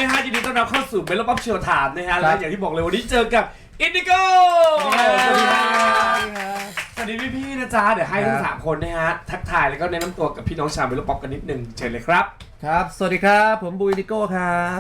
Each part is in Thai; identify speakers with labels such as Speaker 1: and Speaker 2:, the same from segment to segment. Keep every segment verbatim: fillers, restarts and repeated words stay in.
Speaker 1: นะฮะยินดีต้อนรับเข้าสู่เมโลป๊อปเชียวถามนะฮะและอย่างที่บอกเลยวันนี้เจอกับอินดิโก้สวัสดีครับสวัสดีพี่ๆนะจ๊ะเดี๋ยวให้ทั้งสามคนนะฮะทักทายแล้วก็แนะนำตัวกับพี่น้องชาวเมโลป๊อปกันนิดนึงเชิญเลยครับ
Speaker 2: ครับสวัสดีครับผมบูอินดิโก้ครับ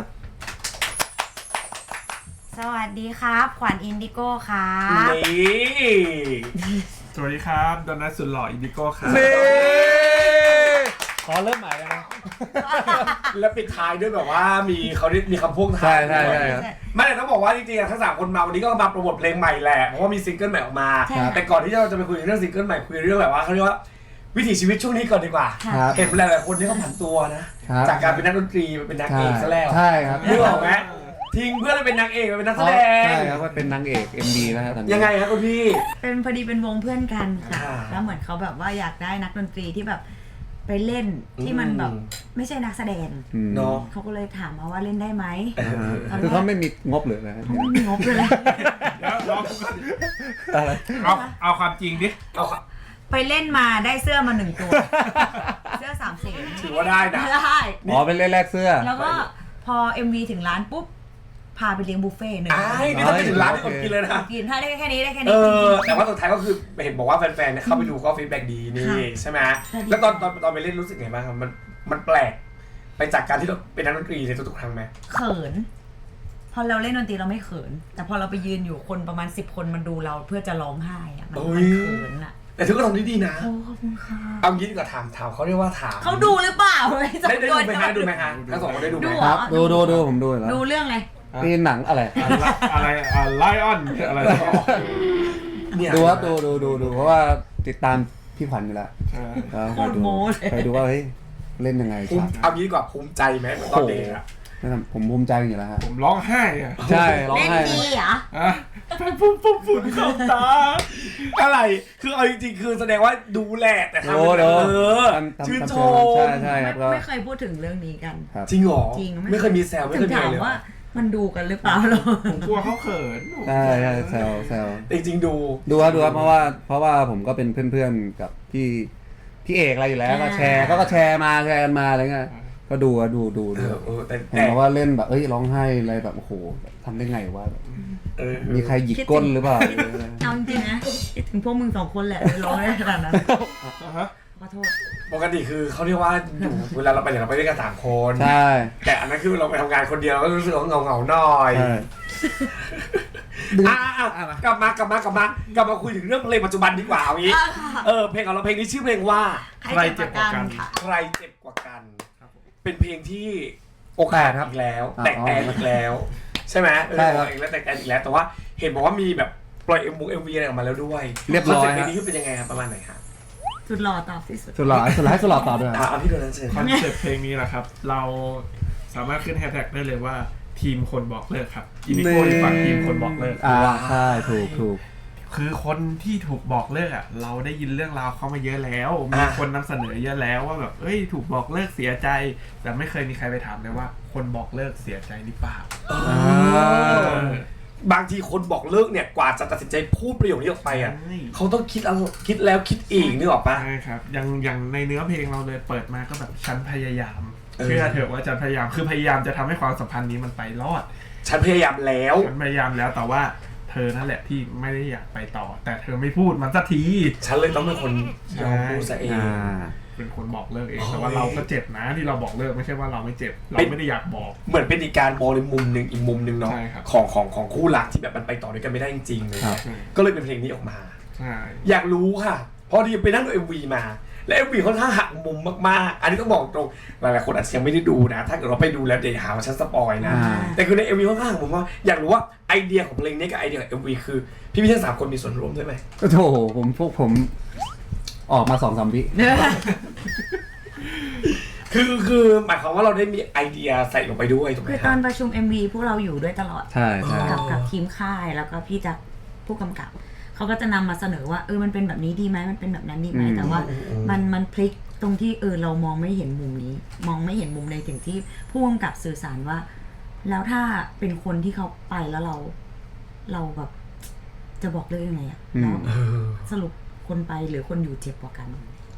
Speaker 3: สวัสดีครับขวัญอินดิโก้ครับ
Speaker 1: นี่
Speaker 4: สวัสดีครับโดนัทสุดหล่ออินดิโก้ครับ
Speaker 2: นี่ขอเริ่มใหม่แล้วนะ
Speaker 1: แล้วปิดท้ายด้วยแบบว่ามีเขาได้มีคำพูดท้าย
Speaker 2: ใช่ใช่ใช่
Speaker 1: ไม่แต่ต้องบอกว่าจริงๆทั้งสามคนมาวันนี้ก็มาโปรโมทเพลงใหม่แหละเพราะว่ามีซิงเกิลใหม่ออกมาแต่ก่อนที่เราจะไปคุยเรื่องซิงเกิลใหม่คุยเรื่องแบบว่าเขาเรียกว่าวิถีชีวิตช่วงนี้ก่อนดีกว่าเห็นหลายๆคนที่เขาผันตัวนะจากการเป็นนักดนตรีเป็นนางเอกซะแล้ว
Speaker 2: ใช่ครับ
Speaker 1: นึกออกไหมทิ้งเพื่อนเป็นนางเอกเป็นนักแสดง
Speaker 2: ใช่ครับว่าเป็นนางเอก เอ็ม ดี นะฮะตอนนี้
Speaker 1: ยังไงครับคุณพี่
Speaker 3: เป็นพอดีเป็นวงเพื่อนกันค่ะแล้วเหมือนเขาแบบว่าอยากได้นักดนตรีที่แบบไปเล่นที่มันแบบไม่ใช่นักแสดง
Speaker 1: เนาะ
Speaker 3: เขาก็เลยถามมาว่าเล่นได้ไหม
Speaker 2: คือเขาไม่มีงบเลยนะ
Speaker 3: เขาไม่มีงบเลย
Speaker 4: แล้วลองอะไรเอาเอาความจริงดิ
Speaker 1: เอา
Speaker 3: ไปเล่นมาได้เสื้อมาหนึ่งตัวเสื้อสามสี
Speaker 1: ถือว่าได้นะ
Speaker 3: ได้
Speaker 2: อ๋อเป็นแรกเสื้อ
Speaker 3: แล้วก็พอ เอ็ม วี ถึงร้านปุ๊บพาไปเลี้ยงบุฟเฟ่ต์หนึ่ง
Speaker 1: ไอ้นี่ถ้าไปถึงร้านที่ผมกินเลยนะ
Speaker 3: กินถ้าได้แค่นี้ได้แค่
Speaker 1: นี้แต่ว่าสุดท้ายก็คือเห็นบอกว่าแฟนๆเข้าไปดูก็ฟีดแบ็กดีนี่ใช่ไหมแล้วตอนตอนตอนไปเล่นรู้สึกไงบ้างครับมันมันแปลกไปจากการที่เราเป็นนักดนตรีในทุกๆครั้งไหม
Speaker 3: เขินพอเราเล่นดนตรีเราไม่เขินแต่พอเราไปยืนอยู่คนประมาณสิบคนมันดูเราเพื่อจะร้องไห้อะมันเขินอะ
Speaker 1: แต่ทุกคนทำได้ดีนะ
Speaker 3: โอ้ขอบคุณค่ะ
Speaker 1: เอางี้ดีกว่าถามถามเขาเรียกว่าถาม
Speaker 3: เขาดูหรือเปล่า
Speaker 1: ได้ได้ดูไหมฮะดูไหมฮะทั้งสองคนได้ดูไหม
Speaker 2: ครับดูดูดูผมดูแล้ว
Speaker 3: ดูเรื่องอะไร
Speaker 2: นี่หนังอะไร
Speaker 4: อะไรไลออนอะไร
Speaker 2: ดูครับดูดูดูดูเพราะว่าติดตามพี่ขวัญอยู่แล้ว
Speaker 3: โคตรโม้เลย
Speaker 2: ไปดูว่าเฮ้ยเล่นยังไง
Speaker 1: เอางี้ดีกว่าภูมิใจไหมตอนเด็กอะ
Speaker 2: ผมภูมิใจอยู่แล้วฮะ
Speaker 4: ผมร้องไห้อะ
Speaker 2: ใช่ร้องไห้
Speaker 3: เล่นดีเหรอ
Speaker 4: ปุ๊บปุ๊บปุ๊บเข้าตา
Speaker 1: อะไรคือเอาจริงๆคือแสดงว่าดูแลแต่ทำเออชื่นชม
Speaker 2: ใช่ใช่ครับ
Speaker 3: ไม่เคยพูดถึงเรื่องนี้กัน
Speaker 1: จริงหรอ
Speaker 3: จริง
Speaker 1: ไม่เคยมีแซวไม่เคยมี
Speaker 3: เลยถามว่ามันดูกันหรือเปล่าหรอ
Speaker 4: ผมกลัวเขาเขิน
Speaker 2: ใช่ใช่แซวแซว
Speaker 1: จริงๆดู
Speaker 2: ดูครับดูครับเพราะว่าเพราะว่าผมก็เป็นเพื่อนๆกับพี่พี่เอกอะไรอยู่แล้วก็แชร์ก็ก็แชร์มาแชร์กันมาอะไรเงี้ยก็ดูอะดูดูดูเห็นว่าเล่นแบบเอ้ยร้องไห้อะไรแบบโอ้โหทำได้ไงวะมีใครหยิกก้นหรือเปล่า
Speaker 3: เอาจริงๆนะถึงพวกมึงสองคนแหละร้องได้ขนาดนั้นขอโทษ
Speaker 1: ปกติคือเขาเรียกว่าอยู่เวลาเราไปเนี่ยเราไปด้วยกันสามคน
Speaker 2: ใช่
Speaker 1: แต่อันนั้นคือเราไปทำงานคนเดียวก็รู้สึกว่าเงาเงาหน่อยอ่ากลับมากลับมากลับมากลับมาคุยถึงเรื่องเพลงปัจจุบันดีกว่าเอางี้เออเพลงของเราเพลงนี้ชื่อเพลงว่า
Speaker 3: ใครเจ็บกว่ากัน
Speaker 1: ใครเจ็บกว่ากันเป็นเพลงที่อกหักอีกแล้วแตกแตนอีกแล้วใช่ไหม
Speaker 2: ใช่ครับ
Speaker 1: อีกแล้วแตกแตนอีกแล้วแต่ว่าเห็นบอกว่ามีแบบปล่อยเอ็มวีเอ็มวีอะไรออกมาแล้วด้วย
Speaker 2: เรียบร้อย
Speaker 1: เพลงนี้เป็นยังไงครับประมาณไหนครับ
Speaker 3: สุดหล่อตอบที่สุด
Speaker 2: สุดหล่อสุดหล่อให้สุดหล่อตอบด้วย
Speaker 1: อ่ะพี่โดนัทเชิญ
Speaker 4: คอนเซ็ปต์เพลงนี้แหละครับเราสามารถขึ้นแฮชแท็กได้เลยว่าทีมคนบอกเลิกครับอินดิโก้ฝั่งทีมคนบอกเลิก
Speaker 2: อ่าใช่ถูกถูก
Speaker 4: คือคนที่ถูกบอกเลิกอ่ะเราได้ยินเรื่องราวเขามาเยอะแล้วมีคนนำเสนอเยอะแล้วว่าแบบเอ้ยถูกบอกเลิกเสียใจแต่ไม่เคยมีใครไปถามเลยว่าคนบอกเลิกเสียใจหรือเปล่า
Speaker 1: บางทีคนบอกเลิกเนี่ยกว่าจะตัดสินใจพูดประโยคนี้ออกไปอ่ะเขาต้องคิดแล้วคิดแล้วคิดอีกนึกออกปะ
Speaker 4: ใช่ครับอย่างอย่างในเนื้อเพลงเราเลยเปิดมาก็แบบฉันพยายามเชื่อเถอะว่าฉันพยายามคือพยายามจะทำให้ความสัมพันธ์นี้มันไปรอด
Speaker 1: ฉันพยายามแล้ว
Speaker 4: ฉันพยายามแล้วแต่ว่าเธอนั่นแหละที่ไม่ได้อยากไปต่อแต่เธอไม่พูดมันสักที
Speaker 1: ฉันเลยต้องเป็นคนยอมพูดซะเอง
Speaker 4: เป็นคนบอกเลิกเองแต่ว่าเราก็เจ็บนะที่เราบอกเลิกไม่ใช่ว่าเราไม่เจ็บเราไม่ได้อยากบอก
Speaker 1: เหมือนเป็นอีกการมองในมุมหนึ่งอีกมุมหนึ่งเนาะของของของคู่รักที่แบบมันไปต่อด้วยกันไม่ได้จริงๆเลยก็เลยเป็นเพลงนี้ออกมาอยากรู้ค่ะพอดีไปนั่งดู เอ็ม วี มาและ เอ็ม วี ค่อนข้างหักมุมมากๆอันนี้ต้องบอกตรงหลายๆคนอาจจะยังไม่ได้ดูนะถ้าเกิดเราไปดูแล้วเดี๋ยวหาว่าฉันสปอยนะแต่คือใน เอ็ม วี ค่อนข้างหักมุมว่าอยากรู้ว่าไอเดียของเพลงนี้กับไอเดียของ เอ็ม วี คือพี่พี่ทั้งสามคนมีส่วนร่วมด้วยไหม
Speaker 2: โอ้โหผมพวกผมออกมาสองสามวิ
Speaker 1: คือคือหมายความว่าเราได้มีไอเดียใส่ลงไปด้วยถูกไหม
Speaker 3: คือตอนประชุม เอ็ม วี พวกเราอยู่ด้วยตลอด
Speaker 2: ใช่ใช่
Speaker 3: กับกับทีมค่ายแล้วก็พี่จักรผู้กำกับเขาก็จะนำมาเสนอว่าเออมันเป็นแบบนี้ดีไหมมันเป็นแบบนั้นดีไหมแต่ว่ามันมันพลิกตรงที่เออเรามองไม่เห็นมุมนี้มองไม่เห็นมุมในถึงที่ผู้กำกับสื่อสารว่าแล้วถ้าเป็นคนที่เขาไปแล้วเราเราแบบจะบอกเรื่องยังไงอะแล้วสรุปคนไปหรือคนอยู่เจ็บกว่ากัน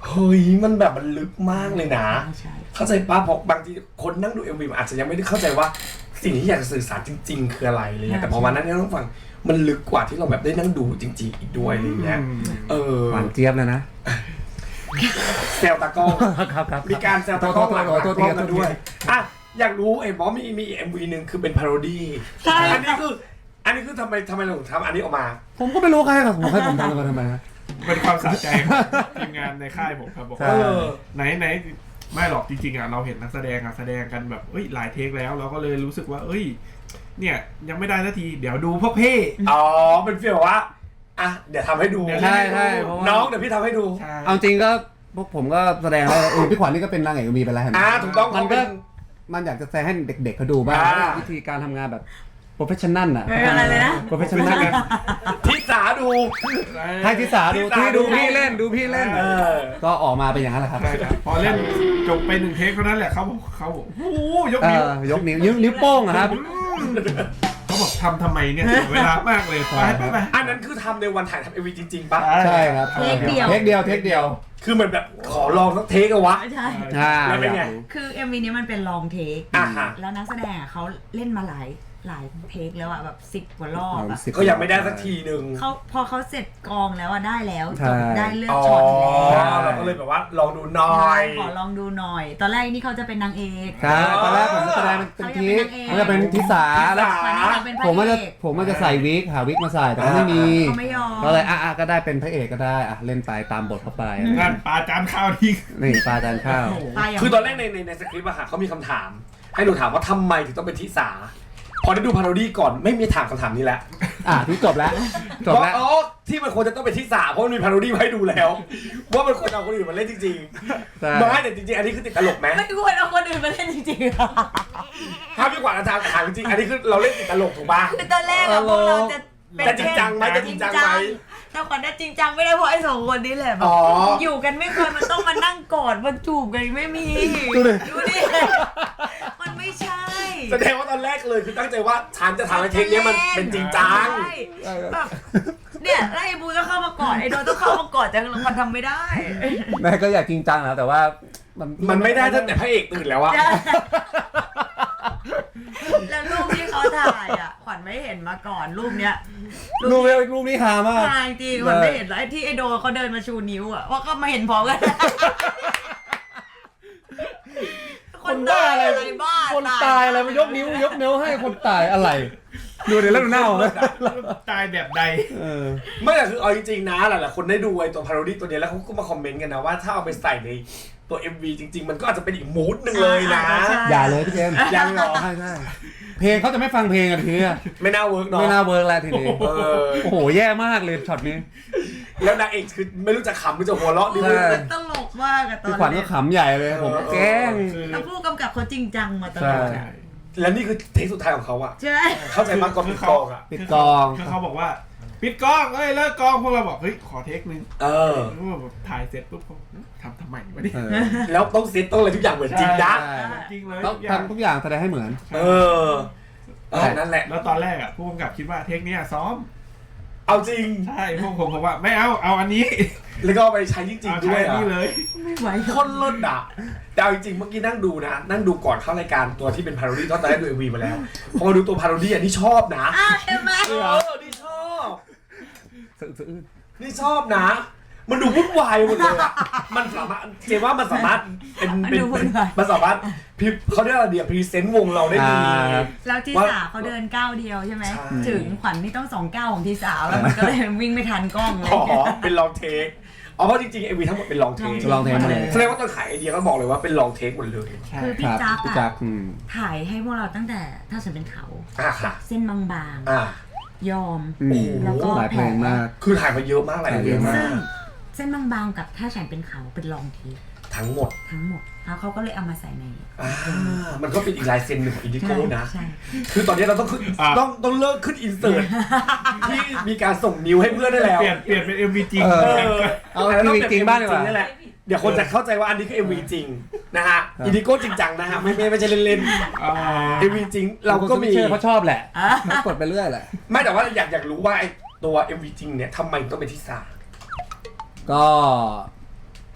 Speaker 1: เฮ้ยมันแบบมันลึกมากเลยนะ
Speaker 3: ใช่
Speaker 1: เข้าใจป้าเพราะบางทีคนนั่งดู เอ็ม วี มันอาจจะยังไม่ได้เข้าใจว่าสิ่งที่อยากจะสื่อสารจริง ๆ คืออะไรอะไรเงี้ยแต่พอวันนั้นเนี่ยต้องฟังมันลึกกว่าที่เราแบบได้นั่งดูจริง ๆ อีกด้วยอะไรเงี้ยเออ
Speaker 2: หวานเจี๊ยบเลยนะ
Speaker 1: แซวตากล้อง
Speaker 2: ครับครับ
Speaker 1: มีการแซวตากล้องหลัง
Speaker 2: โทษโทษ
Speaker 1: กล้อง
Speaker 2: โทษ
Speaker 1: กันด้วยอ่ะอยากรู้ไอ้บอสมีมี เอ็ม วี หนึ่งคือเป็นพาโรดี้
Speaker 3: ใช่
Speaker 1: อันนี้คืออันนี้คือทำไมทำไมเราถึงทำอันนี้ออกมา
Speaker 2: ผมก็ไม่รู้ใครครับผมให้ผมทำกันทำไมฮะ
Speaker 4: เป็นความสะใจของทีมงานในค่ายผมครับบอก
Speaker 2: ใช่
Speaker 4: ว่า
Speaker 1: เออ
Speaker 4: ไหนไหนไม่หรอกจริงๆอ่ะเราเห็นนักแสดงอ่ะแสดงกันแบบเอ้ยหลายเทคแล้วเราก็เลยรู้สึกว่า เอ้ย เนี่ยยังไม่ได้สักทีเดี๋ยวดูพวกเพ่
Speaker 1: อ๋อเป็นฟีลแบบว่าอ่ะเดี๋ยวทำให้ดู
Speaker 2: ใช่ใช่เพราะว่า
Speaker 1: น้องเดี๋ยวพี่ทำให้ดู
Speaker 4: ใช่
Speaker 2: เอาจริงก็พวกผมก็แสดงแล้วเออพี่ขวัญนี่ก็เป็นนางเอกมีไปแล้วเห็นไหม
Speaker 1: อ่าถูกต้อง
Speaker 2: มันก็
Speaker 1: เขาเป็น
Speaker 2: มันอยากจะแสดงให้เด็กๆเขาดูบ้าง
Speaker 1: อ่า
Speaker 2: วิธีการทำงานแบบโปรเฟชชั่นนัลอ่ะ
Speaker 3: เป็นอะไรเลยนะ
Speaker 2: โปรเฟชชั่นนัล
Speaker 1: ทิสาดู
Speaker 2: ให้ทิสาดู
Speaker 1: ทิสา
Speaker 2: ที่ดู
Speaker 1: ดู
Speaker 2: พี่เล่นดูพี่เล่น
Speaker 1: เออ
Speaker 2: ก็ออกมาเป็นอย่างนั้นแหละครับ
Speaker 4: ใช่ครับพอเล่นจบไปหนึ่งเทคเท่านั้นแหละเขาบอกเขาบอกโอ้โหยก
Speaker 2: เอ
Speaker 4: นิ้ว
Speaker 2: อยกนิ้วนิ้วนิ้วโป้งอะครับ
Speaker 4: เขาบอกทำทำไมเนี่ยเสียเวลามากเลยไปไปไป
Speaker 1: อันนั้นคือทำในวันถ่ายทำเอ็มวีจริงๆปะ
Speaker 2: ใช่ครับ
Speaker 3: เทคเดียว
Speaker 2: เทคเดียวเทคเดียว
Speaker 1: คือเหมือนแบบขอลองสักเทคอะวะ
Speaker 3: ใช่
Speaker 2: อ่า
Speaker 1: แล้วเป็นไง
Speaker 3: คือ เอ็ม วี นี้มันเป็นลองเทค
Speaker 1: อ่าฮะ
Speaker 3: แล้วนักแสดงอ่ะเขาเล่นมาหลายหลายเทคแล้วอ่ะแบบสิบกว่ารอบอ่ะ
Speaker 1: ก็ยังไม่ได้สักทีหนึ่ง
Speaker 3: เขาพอเขาเสร็จกองแล้วอ่ะได้แล้ว
Speaker 2: ใช่
Speaker 3: จบได้เลือก
Speaker 1: อ๋อ
Speaker 3: ช็อตแล้ว
Speaker 1: เราก็เลยแบบว่าลองดูหน่อ
Speaker 3: ใช่
Speaker 1: ย
Speaker 3: ขอลองดูหน่อย ตอนแรกนี่เขาจะเป็นนางเอก
Speaker 2: ครับตอนแรกผมจะแสดงเป็นทีมันจะเป็นทิสาแล้ว
Speaker 3: ตอนนี้เขาเป็นพระ
Speaker 2: ผมว่าจะ
Speaker 3: เอก
Speaker 2: ผมว่าจะใส่วิกหาวิกมาใส่แต่ก็ไม่มี
Speaker 3: เขาไม่ยอม
Speaker 2: ก็เลยอ่ะอ่ะก็ได้เป็นพระเอกก็ได้อ่ะเล่นไปตามบทเข้าไป
Speaker 4: งานปลาจานข้าวทิ้ง
Speaker 2: นี่ปลาจานข้าว
Speaker 3: ตายย่าง
Speaker 1: คือตอนแรกในในในสคริปต์อะค่ะเขามีคำถาม ให้หนูถามว่าทำไมถึงต้องเป็นทิสาพอได้ดูพาโรดี้ก่อนไม่มีถามคำถามนี้แล้ว
Speaker 2: อ่ะที่จบแล้วจบแล้ว
Speaker 1: อ๋อที่มันควรจะต้องเป็นทิสาเพราะมันมีพาโรดี้มาให้ดูแล้ว ว่ามันควรเอาคนอื่นมาเล่นจริง
Speaker 2: ใช่
Speaker 1: ๆไม่แต่จริงๆอันนี้คือติดตลกไหม
Speaker 3: ไม่ควรเอาคนอื่นมาเล่นจริงๆอะ
Speaker 1: ถ้าพี่กวาดอาจารย์ถามจริงๆอันนี้คือเราเล่นติดตลกถูกป่ะ
Speaker 3: คือตอนแรกอะพวกเราจะเป็น
Speaker 1: จะจริงจังไหมจะจริงจังไหม
Speaker 3: แต่ขวัญจะจริงจังไม่ได้เพราะไอ้สองคนนี้แหละแบบ
Speaker 1: อ๋อ
Speaker 3: อยู่กันไม่เคยมันต้องมานั่งกอดมาจูบกันไม่มี
Speaker 2: ดูดิ
Speaker 3: ดูดิมันไม่ใช่
Speaker 1: แสดงว่าตอนแรกเลยคือตั้งใจว่าฉันจะทำให้เทคเนี้ยมันเป็นจริงจัง
Speaker 3: ใช่แบบเนี่ยแล้วไอ้บูต้องเข้ามากอดไอ้โดนต้องเข้ามากอดแต่มันทำไม่ได้
Speaker 2: แม่ก็อยากจริงจังนะแต่ว่ามัน
Speaker 1: มันไม่ได้ตั้งแต่พระเอกตื่นแล้วอะ
Speaker 3: แล้วรูปที่เขาถ่ายอ่ะขวัญไม่เห็นมาก่อนรูปเนี้ย
Speaker 2: รูปนี้รูปนี้ฮามาก
Speaker 3: ถ่ายจริงขวัญไม่เห็นแล้วไอ้ที่ไอ้โดเขาเดินมาชูนิ้วอ่ะว่าก็มาเห็นพร้อมกัน
Speaker 2: คนบ้าอะไร
Speaker 3: บ้า
Speaker 2: คนตายอะไรมายกนิ้วยกนิ้วให้คนตายอะไร ดูเดี๋ยวแล้วดูหน้าผมเลย
Speaker 4: ตายแบบใด
Speaker 2: เออ
Speaker 1: ไม่แต่คือเอาจริงๆนะหลายๆคนได้ดูไอ้ตัวพาโรดี้ตัวเนี้ยแล้วเขาก็มาคอมเมนต์กันนะว่าถ้าเอาไปใส่ในตัว เอ็ม วี จริง ๆ มันก็อาจจะเป็นอีกมูดหนึ่งเลยนะ
Speaker 2: อย่าเลยพี่เจมส์
Speaker 1: ยังเหรอ
Speaker 2: ใช่ใช่เพลงเขาจะไม่ฟังเพลงกันทีนี้
Speaker 1: ไม่น่าเวิร์กเนาะ
Speaker 2: ไม่น่าเวิร์กแล้วทีนี้
Speaker 1: เออ
Speaker 2: โอ้โหแย่มากเลยช็อตนี้
Speaker 1: แล้วนางเอกคือไม่รู้จะขำหรือจะหัวเราะดี
Speaker 2: ใช่
Speaker 3: ตลกมากอะตอน
Speaker 2: พี่ขวัญก็ขำใหญ่เลยผมแกล้ง
Speaker 3: แล้วผู้กำกับเขาจริงจังมาตลอด
Speaker 2: ใช่
Speaker 3: อะ
Speaker 1: แล้วนี่คือเทคสุดท้ายของเขาอะ
Speaker 3: ใช่
Speaker 1: เข้าใจมากกว่าปิดกองอะ
Speaker 2: ปิดกอง
Speaker 4: คือเขาบอกว่าปิดกล้องเอ้ยเลิกกล้องพวกเราบอกเฮ้ยขอเทคนึง
Speaker 1: เออ
Speaker 4: แล้วแบบถ่ายเสร็จปุ๊บเขาทำทำไมวะเนี่ย
Speaker 2: เออ
Speaker 1: แล้วต้องเซตต้องอะไรทุกอย่างเหมือนจริงนะ
Speaker 2: ใช่
Speaker 4: จริงเลย
Speaker 2: ต้อง
Speaker 4: ทุกอย่าง
Speaker 2: ทำทุกอย่างแสดงให้เหมือน
Speaker 1: เออเออนั่นแหละ
Speaker 4: แล้วตอนแรกอ่ะผู้กำกับคิดว่าเทคเนี้ยซ้อม
Speaker 1: เอาจริง
Speaker 4: ใช่พวกผมบอกว่าไม่เอาเอาอันนี้
Speaker 1: แล้วก็เอาไปใช้จริง
Speaker 4: เอา
Speaker 1: ๆด้
Speaker 4: ใช้
Speaker 1: วย
Speaker 4: อัน
Speaker 1: อะ
Speaker 4: นี้เลย
Speaker 3: ไม่ไหว
Speaker 1: คนเลิศอะแต่เอาจริงๆเมื่อกี้นั่งดูนะ นั่งดูก่อนเข้ารายการตัวที่เป็นพาโรดี้ตอนแรกดูเอ็มวีมาแล้ว พอมาดูตัวพาโรดี้อะนี่ชอบนะ
Speaker 3: อ้าวเห็นไหม
Speaker 1: เออนี่ชอบ
Speaker 2: สะอึกสะอื้น
Speaker 1: นี่ชอบนะ มันดูวุ่นวายหมดเลยอะมันสามารถเจว่ามันสามารถเป็นเป็นเป็นมันสามารถพิเขาเรียกอะไรเดียพรีเซนต์วงเราได้ดี
Speaker 3: แล้วทีสาเขาเดินก้าวเดียวใช่ไหม
Speaker 1: ใช่
Speaker 3: ถึงขวัญนี่ต้องสองก้าวของทีสาแล้วมันก็เลยวิ่งไม่ทันกล้องเลย
Speaker 1: อ๋อเป็นลองเทคอ๋อเพราะจริงๆเอ็มวีทั้งหมดเป็นลองเทค
Speaker 2: ลองเทคมาเลย
Speaker 1: แสดงว่าตอนขายไอเดียก็บอกเลยว่าเป็นลองเทคหมดเลย
Speaker 3: คือ
Speaker 2: ค
Speaker 3: พี่
Speaker 2: รับ
Speaker 3: จัก
Speaker 2: พี่จั
Speaker 3: อะ
Speaker 2: กอืม
Speaker 3: ถ่ายให้พวกเราตั้งแต่ถ้าฉันเป็นเขา
Speaker 1: อ่ะค่ะ
Speaker 3: เส้นบาง
Speaker 1: อ่ะ
Speaker 3: ๆยอม
Speaker 2: อืม
Speaker 3: แล้วก็
Speaker 2: หลายเพลงมาก
Speaker 1: คือถ่ายมาเยอะมากหลายเดือนมา
Speaker 3: ซึ่ง
Speaker 1: ก
Speaker 3: เส้นบางๆกับถ้าฉันเป็นเขาเป็นลองที
Speaker 1: ทั้งหมด
Speaker 3: ทั้งหมดแล้วเขาก็เลยเอามาใส่ใน
Speaker 1: อ่ามันก็เป็นอีกลายเซ็นหนึ่งของอินดิโก้นะ
Speaker 3: ใช่
Speaker 1: คือตอนนี้เราต้องขึ้นต้องต้องเลิกขึ้นอินเสิร์ตที่มีการส่งนิ้วให้เพื่อนได้แล้ว
Speaker 4: เปลี่ยนเปลี่ยนเป็น เอ็ม วี จริง
Speaker 2: เออ
Speaker 1: เออ
Speaker 2: เอา
Speaker 1: แต่ต้
Speaker 2: MV จริงบ้างดีกว่า
Speaker 1: นั่นแหละเดี๋ยวคนจะเข้าใจว่าอันนี้คือ เอ็ม วี จริงนะฮะอินดิโก้จริงจังนะฮะไม่ไม่ไม่ใช่เล่น
Speaker 4: อ่า
Speaker 1: ๆ เอ็ม วี จริงเราก็มี
Speaker 2: เชื่อเขาชอบแหละเขากดไปเรื่อยแหละ
Speaker 1: ไม่แต่ว่าอยากอยากรู้ว่าไอ้ตัว เอ็ม วี จริงเนี่ยทำไมต้องเป็นที่สาม
Speaker 2: ก็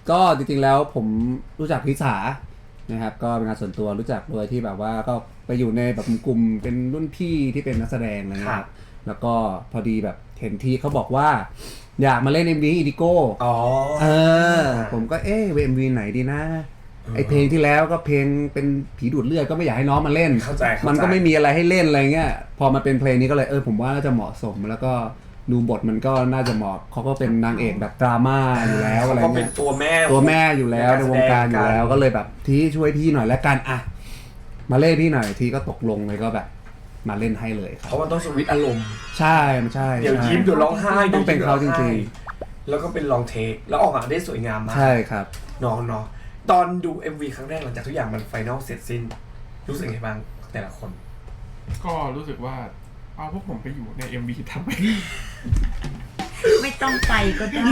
Speaker 2: ก็จริงๆแล้วผมรู้จักพิสานะครับก็เป็นงานส่วนตัวรู้จักโดยที่แบบว่าก็ไปอยู่ในแบบกลุ่มเป็นรุ่นพี่ที่เป็นนักแสดงอะไรเงี้ยครับแล้วก็พอดีแบบเห็นที่เขาบอกว่าอยากมาเล่น เอ็ม วี อีดิโก้อ๋อเออผมก็เอ๊ะ เอ็ม วี ไหนดีนะไอเพลงที่แล้วก็เพลงเป็นผีดูดเลือดก็ไม่อยากให้น้องมาเล่นมันก็ไม่มีอะไรให้เล่นอะไรเงี้ยพอมาเป็นเพลงนี้ก็เลยเออผมว่าน่าจะเหมาะสมแล้วก็ดูบทมันก็น่าจะเหมาะเขาก็เป็นนางเอกแบบดราม่าอยู่แล้วอะไรเงี้ย
Speaker 1: เขาเป็นตัวแม่
Speaker 2: ตัวแม่อยู่แล้วในวงการอยู่แล้วก็เลยแบบที่ช่วยพี่หน่อยแล้วกันอ่ะมาเล่นพี่หน่อยทีก็ตกลงเลยก็แบบมาเล่นให้เลยครับ
Speaker 1: เพราะมันต้องสวิตช์อารมณ์
Speaker 2: ใช่มันใช่
Speaker 1: เดี๋ยวยิ้มเดี๋ยวร้องไห้
Speaker 2: ต้องเป็นเขาจริง
Speaker 1: ๆแล้วก็เป็นลองเทคแล้วออกมาได้สวยงามมาก
Speaker 2: ใช่ครับ
Speaker 1: น้องเนาะตอนดู เอ็ม วี ครั้งแรกหลังจากทุกอย่างมันไฟนอลเสร็จสิ้นรู้สึกไงบ้างแต่ละคน
Speaker 4: ก็รู้สึกว่าเอาพวกผมไปอยู่ใน เอ็ม วี ทำไม
Speaker 3: ไม่ต้องไปก็ได้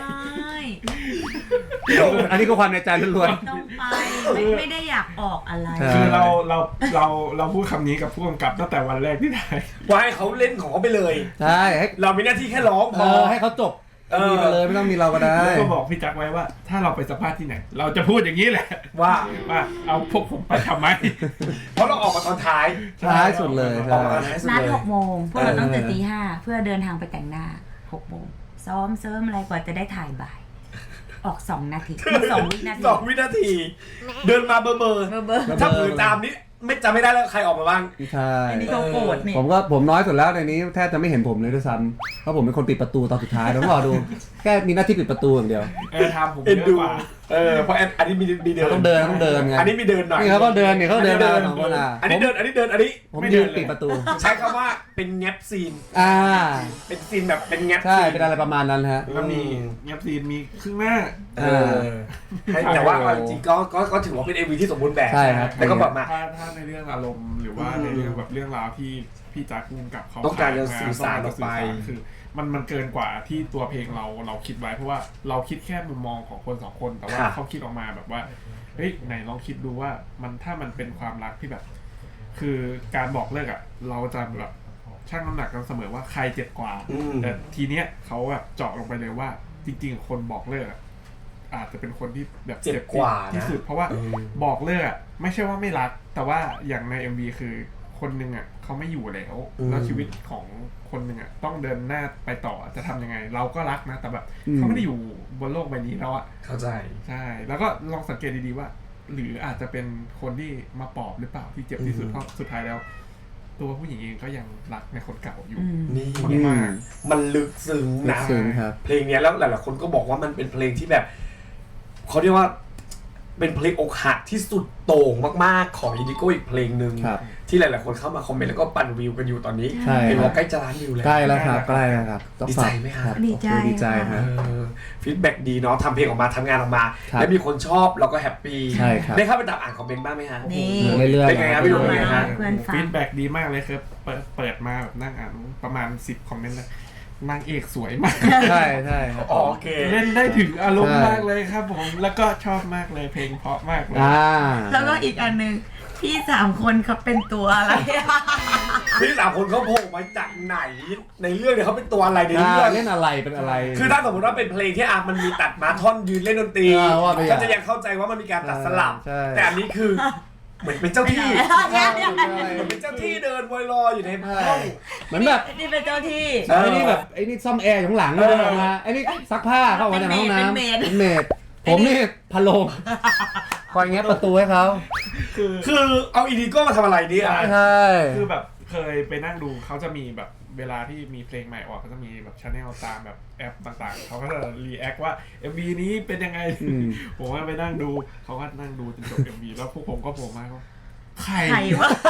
Speaker 2: อันนี้ก็ความในใจล้วน
Speaker 3: ๆต้องไปไม่ไม่ได้อยากออกอะไร
Speaker 4: คือเราเราเราเราพูดคำนี้กับผู้กำกับตั้งแต่วันแรกที่ถ่าย
Speaker 1: ว่าให้เขาเล่นของเขาไปเลย
Speaker 2: ใช่
Speaker 1: เรามีหน้าที่แค่ร้องพอ
Speaker 2: ให้เขาจบมีไปเลยไม่ต้องมีเราก็ได้
Speaker 4: แล้วก็บอกพี่จักไว้ว่าถ้าเราไปสัมภาษณ์ที่ไหนเราจะพูดอย่างนี้แหละ
Speaker 1: ว่า
Speaker 4: ว่าเอาพวกผมไปทำไม
Speaker 1: เพราะเราออกมาตอนท้าย
Speaker 2: ท้ายสุดเลย
Speaker 3: นัดหกโมงพวกเราต้องตื่นตีห้าเพื่อเดินทางไปแต่งหน้าหกโมงซ้อมเสริมอะไรกว่าจะได้ถ่ายบ่ายออกสองนาทีสองวินาที
Speaker 1: สองวินาทีเดินมาเบอร์เบอร์ถ้าผืนตามนี้ไม่จำไม่ได้แล้วใครออกมาบ้าง
Speaker 2: ใช่
Speaker 3: อันนี้เขาโกรธนี่
Speaker 2: ผมก็ผมน้อยสุดแล้วในนี้แทบจะไม่เห็นผมเลยด้วยซ้ำเพราะผมเป็นคนปิดประตูตอนสุดท้ายต้องรอดูแค่มีหน้าที่ปิดประตูอย่างเดียว
Speaker 4: เออทำผมเยอะกว่า
Speaker 1: เออเพราะอันนี้มีมีเดิน
Speaker 2: ต้องเดินต้องเดินไง
Speaker 1: อันนี้มีเดินหน่อย
Speaker 2: นี่เขาก็เดินเนี่ยเขาเดินเดินของคนอ่ะ
Speaker 1: อันนี้เดินอันนี้เดินอันนี้
Speaker 2: ผมยืนปิดประตู
Speaker 1: ใช้คำว่าเป็นแงบซีน
Speaker 2: อ่า
Speaker 1: เป็นซีนแบบเป็นแงบ
Speaker 2: ใช่เป็นอะไรประมาณนั้นฮะ
Speaker 4: แล้วมีแงบซีนมีครึ่งหน้า
Speaker 1: เออแต่ว่าจริงก็ก็ก็ถือว่าเป็น เอ็ม วี ที่สมบูรณ์แบบ
Speaker 2: ใช่ครับ
Speaker 1: แล้วก็แบบมา
Speaker 4: ถ้าถ้าในเรื่องอารมณ์หรือว่าในเรื่องแบบเรื่องราวที่พี่จักรภูมิกับเขา
Speaker 1: ต้องการจะสื่อสารออกไป
Speaker 4: คือมันมันเกินกว่าที่ตัวเพลงเราเราคิดไว้เพราะว่าเราคิดแค่มุมมองของคนสองคนแต่ว่าเขาคิดออกมาแบบว่าเฮ้ยไหนลองคิดดูว่ามันถ้ามันเป็นความรักที่แบบ คือการบอกเลิกอ่ะเราจะแบบชั่งน้ำหนักกันเสมอว่าใครเจ็บกว่าแต่ทีเนี้ยเขาแบบเจาะลงไปเลยว่าจริงๆคนบอกเลิกอาจจะเป็นคนที่แบบ
Speaker 1: เจ็บกว่า
Speaker 4: ที่สุดเพราะว่าบอกเลิกไม่ใช่ว่าไม่รักแต่ว่าอย่างใน เอ็ม วี คือคนนึงอ่ะเขาไม่อยู่แล้วแล้วชีวิตของคนนึงอ่ะต้องเดินหน้าไปต่อจะทำยังไงเราก็รักนะแต่แบบเขาไม่ได้อยู่บนโลกใบนี้แล้วอ่ะ
Speaker 1: เข้าใจ
Speaker 4: ใช่แล้วก็ลองสังเกตดีๆว่าหรืออาจจะเป็นคนที่มาปอบหรือเปล่าที่เจ็บที่สุดเพราะสุดท้ายแล้วตัวผู้หญิงเองก็ยังรักในคนเก่าอยู่
Speaker 1: นี่มากมันลึกซึ้งนะเพลงนี้แล้วหลายๆคนก็บอกว่ามันเป็นเพลงที่แบบเขาเรียกว่าเป็นเพลงอกหักที่สุดโต่งมากๆของอินดิโก้อีกเพลงหนึ่งที่หลายๆคนเข้ามาคอมเมนต์แล้วก็ปั่นวิวกันอยู่ตอนนี้เห็นว่าใกล้จะล้านวิวแล้ว
Speaker 2: ใกล้แล้วครับใกล้แล้วครับ
Speaker 1: ดีใจไหมครับ
Speaker 3: ดีใจ
Speaker 2: ดีใจครับ
Speaker 1: ฟีดแบ็กดีเนาะทำเพลงออกมาทำงานออกมาแล้วมีคนชอบเราก็แฮปปี้ได้เข้าไปตามอ่านคอมเมนต์บ้างไหมฮะ
Speaker 3: นี่
Speaker 2: เรื่อยๆ
Speaker 1: เป็นไงครับพี่ลุงเนี่ยฮะ
Speaker 4: ฟีดแบ็กดีมากเลยครับเปิดเปิดมาแบบนั่งอ่านประมาณสิบคอมเมนต์เลยนางเอกสวยมาก
Speaker 2: ใช่ใช่
Speaker 1: โอเค
Speaker 4: เล่นได้ถึงอารมณ์มากเลยครับผมแล้วก็ชอบมากเลยเพลงเพราะมากเลย
Speaker 3: แล้วก็อีกอันนึงพี่สามคนเขาเป็นตัวอะไร
Speaker 1: พี่สามคนเขาโผล่มาจากไหนในเรื่องเนี่ยเขาเป็นตัวอะไรในเรื่อง
Speaker 2: เล่นอะไรเป็นอะไร
Speaker 1: คือถ้าสมมติว่าเป็นเพลงที่อามันมีตัดมาท่อนยืนเล่นดนตรีก็จะยังเข้าใจว่ามันมีการตัดสลับแต่อันนี้คือเหมือนเป็นเจ้าที่เหมือนเป็นเจ้าที่เดินวอยลอยอยู่ในห้อง
Speaker 2: เหมือนแบบ
Speaker 3: นี่เป็นเจ้าที่
Speaker 2: ไอ้นี่แบบไอ้นี่ซ่อมแอร์อยู่ข้างหลังเดินออกมาไอ้นี่ซักผ้าเข้ามาในห้องน้ำเป็นเมดผมนี่พะโลงคอยแงะประตูให้เขา
Speaker 1: คือคือเอาอินดิโก้มาทำอะไรเนี่ย
Speaker 2: ใช่
Speaker 4: คือแบบเคยไปนั่งดูเขาจะมีแบบเวลาที่มีเพลงใหม่ออกก็จะมีแบบชาแนลตามแบบแอปต่างๆเขาก็จะรีแอคว่า เอ็ม วี นี้เป็นยังไงผมก็ไปนั่งดูเขาก็นั่งดูจนจบ เอ็ม วี แล้วพวกผมก็โผล่มาว่าใคร
Speaker 3: วะ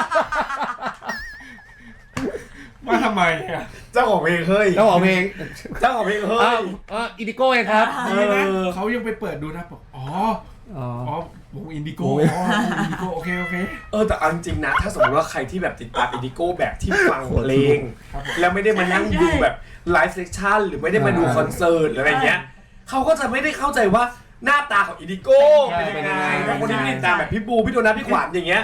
Speaker 4: มาทำไมอ่ะ
Speaker 1: เจ้าของเพลงเฮ้ย
Speaker 2: เจ้าของเพลง
Speaker 1: เจ้าของเพลงเฮ้ย
Speaker 2: เอออินดิโก้เองครับ
Speaker 4: เขายังไปเปิดดูนะบอกอ๋ออ๋อวงอินดิโก้อ๋ออินดิโก้โอเคโอเค
Speaker 1: เออแต่จริงๆนะถ้าสมมติว่าใครที่แบบติดตามอินดิโก้แบบที่ฟังเพลงแล้วไม่ได้มานั่งดูแบบไลฟ์เซสชั่นหรือไม่ได้มาดูคอนเสิร์ตหรืออะไรเงี้ยเขาก็จะไม่ได้เข้าใจว่าหน้าตาของอินดิโก้เป็นยังไงบางคนที่ติดตามแบบพี่บูพี่โดนัทพี่ขวัญอย่างเงี้ย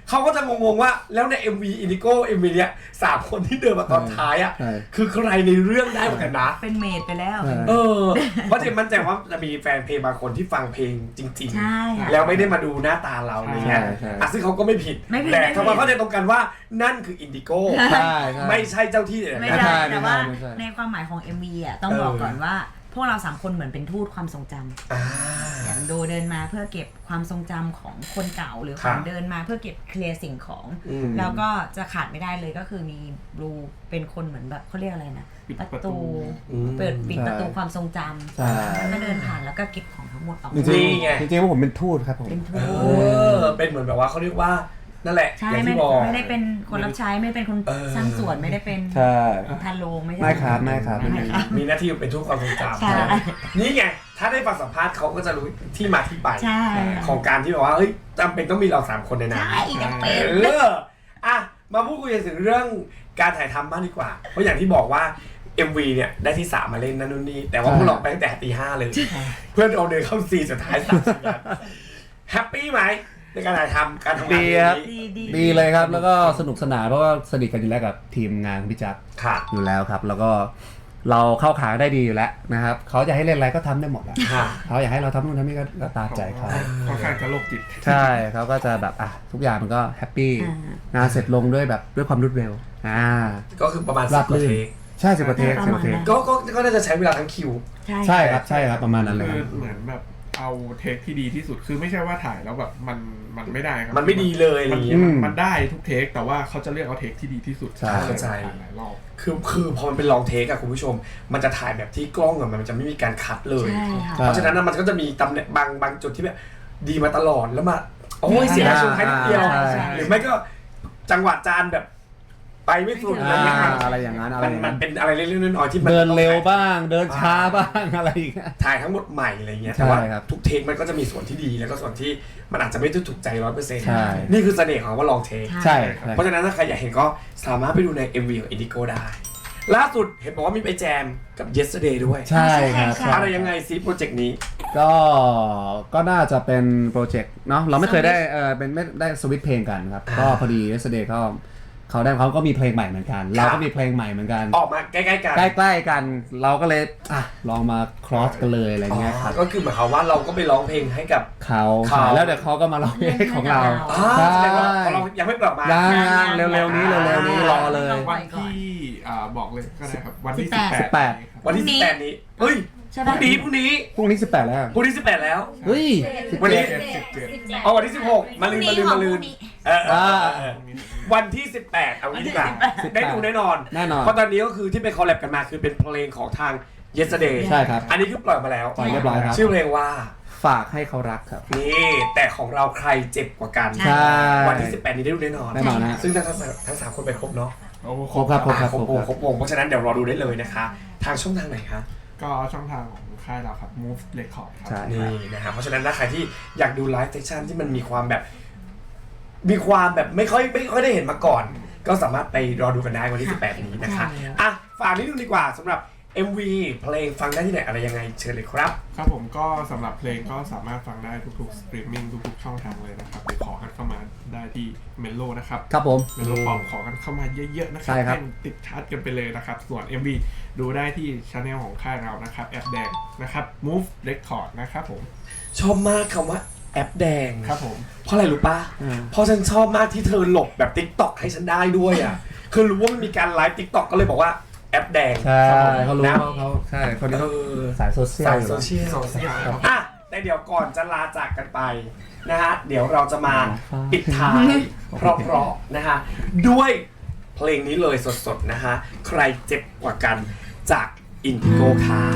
Speaker 1: เขาก็จะงงๆว่าแล้วใน เอ็ม วี Indigo เอ็ม วี เนี้ยสามคนที่เดินมาตอนท้ายอ่ะคือใครในเรื่องได้เหมือนกันนะ
Speaker 3: เป็นเมดไปแล้ว
Speaker 1: เออเพราะเจมมั่นใจว่าจะมีแฟนเพลงบางคนที่ฟังเพลงจริง
Speaker 3: ใช่
Speaker 1: ๆแล้วไม่ได้มาดูหน้าตาเราอะไรเงี้ยอ่ะซึ่งเขาก็ไม่ผิดแต่ทำไมเขาจะตรงกันว่านั่นคือ Indigo ไม่ใช่เจ้าที่เลย
Speaker 3: ไม่ใช่แต่ว่าในความหมายของ เอ็ม วี อ่ะต้องบอกก่อนว่าพวกเราสามคนเหมือนเป็นทูตความทรงจำอย่างโดเดินมาเพื่อเก็บความทรงจำของคนเก่าหรือของเดินมาเพื่อเก็บเคลียร์สิ่งของแล้วก็จะขาดไม่ได้เลยก็คือมีบลูเป็นคนเหมือนแบบเขาเรียกอะไรนะประตูเปิดปิดประตูความทรงจำแล้วก็เดินผ่านแล้วก็เก็บของทั้งหมดออก
Speaker 2: จริงๆจริงๆว่าผมเป็นทูตครับผม
Speaker 3: เป็นทู
Speaker 1: ตเป็นเหมือนแบบว่าเขาเรียกว่านั่นแหละ
Speaker 3: ใช่ไม่ไม่ได้เป็นคนรับใช้ไม่ได้เป็นคนสร้างสวนไม่ได้เป็นพาโลไม่ใช่
Speaker 2: ไม่ครับไม่ครับ
Speaker 1: มีหน้าที่เป็นทูตความทรงจำนี่ไงถ้าได้ฟังสัมภาษณ์เขาก็จะรู้ที่มาที่ไปของการที่บอกว่าเฮ้ยจำเป็นต้องมีเราสามคนในนั้น
Speaker 3: ใช่จำเป็น
Speaker 1: เอออ่ะมาพูดคุยถึงเรื่องการถ่ายทำบ้างดีกว่าเพราะอย่างที่บอกว่า เอ็ม วี เนี่ยได้ที่สามมาเล่นนั่นนู่นนี่แต่ว่าพวกเราไปตั้งแต่ตีห้าเลยเพื่อนเอาเดินเข้าซีสุดท้ายสามสิบนาทีแฮปปี้ไหมในการถ่ายทำการทำงาน
Speaker 2: ดีดีเลยครับแล้วก็สนุกสนานเพราะว่าสนิทกันอยู่แล้วกับทีมงานพี่จักรอยู่แล้วครับแล้วก็เราเข้าขาได้ดีอยู่แล้วนะครับเขาจะให้เล่นอะไรก็ทำได้หมดแหละเขาอยากให้เราทำนู่นทำนี่ก็ตามใจเขา
Speaker 4: ค่อนข้างจะโรคจิต
Speaker 2: ใช่เขาก็จะแบบอ่ะทุกอย่างมันก็แฮปปี้งานเสร็จลงด้วยแบบด้วยความรวดเร็วอ่า
Speaker 1: ก็คือประมาณสิบกว่าเทค
Speaker 2: ใช่สิบกว่าเทคสิบกว่าเทค
Speaker 1: ก็ก็ก็น่าจะใช้เวลาทั้งคิว
Speaker 2: ใช่ครับใช่ครับประมาณนั้นเลย
Speaker 4: เหมือนแบบเอาเทคที่ดีที่สุดคือไม่ใช่ว่าถ่ายแล้วแบบมันมันไม่ได้ครับ
Speaker 1: มันไม่ดีเลยอะไรอย่างเงี้ย
Speaker 4: มันได้ทุกเทคแต่ว่าเขาจะเลือกเอาเทคที่ดีที่สุด
Speaker 1: ใช่เข้าใจคือคือพอมันเป็นลองเทคอะคุณผู้ชมมันจะถ่ายแบบที่กล้องอะมันจะไม่มีการคัดเลยเพราะฉะนั้นมันก็จะมีตำแหน่งบางบางจุดที่แบบดีมาตลอดแล้วมาโอ้ยเสียช่วงท้ายนิดเดียวหรือไม่ก็จังหวะจานแบบไปไม่สุดอะไรอย่างนั้น
Speaker 2: อะไรอย่างนั้นอะไร
Speaker 1: มันเป็นอะไรเล็กๆน้อยๆที่
Speaker 2: เดินเร็วบ้างเดินช้าบ้างอะไรอย่างเงี้ย
Speaker 1: ถ่ายทั้งหมดใหม่อะไรเงี้ยแต่ว่าทุกเทคมันก็จะมีส่วนที่ดีแล้วก็ส่วนที่มันอาจจะไม่ถูกใจร้อยเปอร์เซ็นต์นี่คือเสน่ห์ของว่าลองเทค
Speaker 2: ใช่
Speaker 1: เพราะฉะนั้นถ้าใครอยากเห็นก็สามารถไปดูใน เอ็ม วี ของ Indigo ได้ล่าสุดเห็นบอกว่ามีไปแจมกับ Yesterday ด้วย
Speaker 2: ใช่ครับ
Speaker 1: อะไรยังไงซิโปรเจกต์นี้
Speaker 2: ก็ก็น่าจะเป็นโปรเจกต์เนาะเราไม่เคยได้เออเป็นไม่ได้สวิตช์เพลงกันครับก็พอดี Yesterday เขาเขาได้เขาก็มีเพลงใหม่เหมือนกันเราก็มีเพลงใหม่เหมือนกัน
Speaker 1: ออกมาใกล้ๆกัน
Speaker 2: ใกล้ๆกันเราก็เลยอ่ะลองมาครอสกันเลยอะไรเงี้ยครับ
Speaker 1: ก็คือหมายความว่าเราก็ไปร้องเพลงให้กับ
Speaker 2: เขาแล้วเดี๋ยวเขาก็มาร้องเพลงของเรา
Speaker 1: ใช่เรายังไม่ปรับมา
Speaker 2: ยังเร็วๆนี้เร็วๆนี้รอเลย
Speaker 4: วันที่บอกเลยก็ได้ครับวันที่
Speaker 2: สิบแปด
Speaker 1: วันที่สิบแปดนี้เฮ้ยพรุ่งนี้พรุ่งนี้
Speaker 2: พรุ่งนี้สิบแปดแล้ว
Speaker 1: พรุ่งนี้สิบแปดแล้ว
Speaker 2: เฮ้ย
Speaker 1: วันนี้เอาวันที่สิบหกมาลืนมาลืนมาลืนเออวันที่สิบแปดเอางี้ดีกว่าได้ดูแน่นอน
Speaker 2: แน่นอน
Speaker 1: เพราะตอนนี้ก็คือที่ไปคอลแลบกันมาคือเป็นเพลงของทาง Yesterday
Speaker 2: ใช่ครับ
Speaker 1: อันนี้คือปล่อยมาแล้ว
Speaker 2: ปล่อยเรียบร้อยครับ
Speaker 1: ชื่อเพลงว่า
Speaker 2: ฝากให้เขารักครับ
Speaker 1: นี่แต่ของเราใครเจ็บกว่ากันวันที่สิบแปดนี้ได้ดูแน่นอน
Speaker 2: แน่นอนนะ
Speaker 1: ซึ่งทั้งทั้งสามคนไปครบเนาะ
Speaker 2: ครบครับครบครับ
Speaker 1: ครบวงครบวงเพราะฉะนั้นเดี๋ยวรอดูได้เลยนะคะทางช่องทางไหนคะ
Speaker 4: ก็ช่องทางของค่ายเราครับ Move Record
Speaker 1: ครับนี่นะครับเพราะฉะนั้นถ้าใครที่อยากดูไลฟ์เซสชั่นที่มันมีความแบบมีความแบบไม่ค่อยไม่ค่อยได้เห็นมาก่อนก็สามารถไปรอดูกันได้วันที่สิบแปดนี้นะคะอ่ะฝากนิดนึงดีกว่าสำหรับ เอ็ม วี เพลงฟังได้ที่ไหนอะไรยังไงเชิญเลยครับ
Speaker 4: ครับผมก็สำหรับเพลงก็สามารถฟังได้ทุกๆสตรีมมิ่งทุกๆช่องทางเลยนะครับไปขอกันเข้ามาได้ที่เมโลนะครับ
Speaker 2: ครับผม
Speaker 4: เมโลปอมขอกันเข้ามาเยอะๆนะครับให้ติดชาร์ตกันไปเลยนะครับส่วน เอ็ม วี ดูได้ที่ช่องของค่ายเรานะครับแอปแดงนะครับ Move Record นะครับผม
Speaker 1: ชอบมากคำว่าแอปแดง
Speaker 4: ครับผม
Speaker 1: เพราะอะไรรู้ป่ะเพราะฉันชอบมากที่เธอหลบแบบ TikTok ให้ฉันได้ด้วยอ่ะคือรู้ว่ามันมีการไลฟ์ TikTok ก็เลยบอกว่าแอปแดง
Speaker 2: ใช่เขารู้เขาเขาใช่คนนี้เขาสายโซเชียล
Speaker 1: สายโซเชียลอ่ะแต่เดี๋ยวก่อนจะลาจากกันไปนะฮะเดี๋ยวเราจะมาปิดท้ายเพราะๆนะฮะด้วยเพลงนี้เลยสดๆนะฮะใครเจ็บกว่ากันจาก Indigo ค่ะ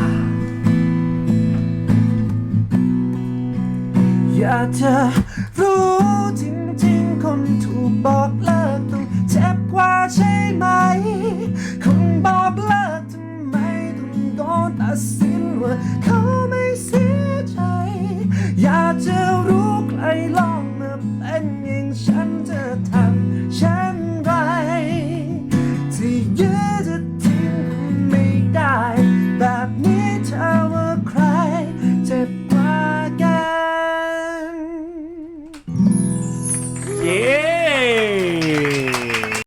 Speaker 5: อยากจะรู้จริงๆคนถูกบอกเลิกต้องเจ็บกว่าใช่ไหมคนบอกเลิกทำไมต้องโดนตัดสินว่าเขา